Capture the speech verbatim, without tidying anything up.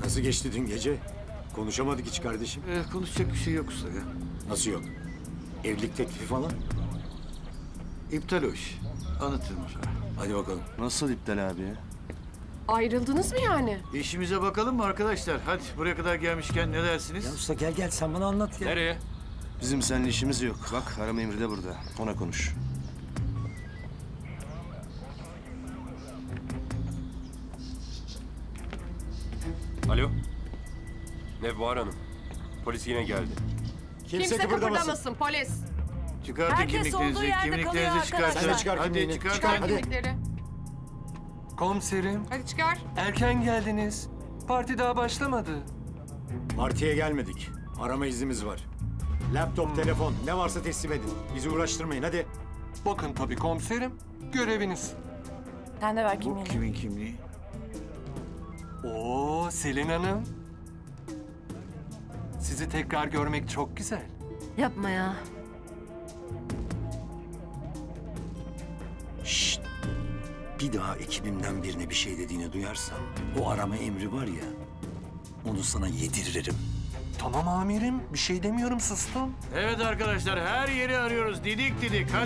Nasıl geçti dün gece? Konuşamadık hiç kardeşim. Ee, konuşacak bir şey yok usta ya. Nasıl yok? Evlilik teklifi falan? İptal o iş. Anlatırım sonra. Hadi bakalım. Nasıl iptal abi ya? Ayrıldınız mı yani? İşimize bakalım mı arkadaşlar? Hadi buraya kadar gelmişken ne dersiniz? Ya usta gel gel sen bana anlat ya. Nereye? Bizim seninle işimiz yok. Bak arama emri de burada. Ona konuş. Alo? Nevbahar Hanım. Polis yine geldi. Kimse, Kimse kıpırdamasın. kıpırdamasın polis. Çıkartın Herkes olduğu kimliklerinizi, yerde kalıyor kimliklerinizi çıkartın. arkadaşlar. Sen de çıkar Hadi kimliğini. çıkartın. Çıkar Hadi. kimlikleri. Komiserim, Hadi çıkar. erken geldiniz. Parti daha başlamadı. Partiye gelmedik. Arama iznimiz var. Laptop, telefon ne varsa teslim edin. Bizi uğraştırmayın hadi. Bakın tabii komiserim, göreviniz. Sen de ver Bu kimliğini. kimin kimliği? Oo, Selin Hanım. Sizi tekrar görmek çok güzel. Yapma ya. Şşt. Bir daha ekibimden birine bir şey dediğini duyarsam o arama emri var ya onu sana yediririm. Tamam amirim, bir şey demiyorum, sustum. Evet arkadaşlar her yeri arıyoruz. Didik didik. Hadi.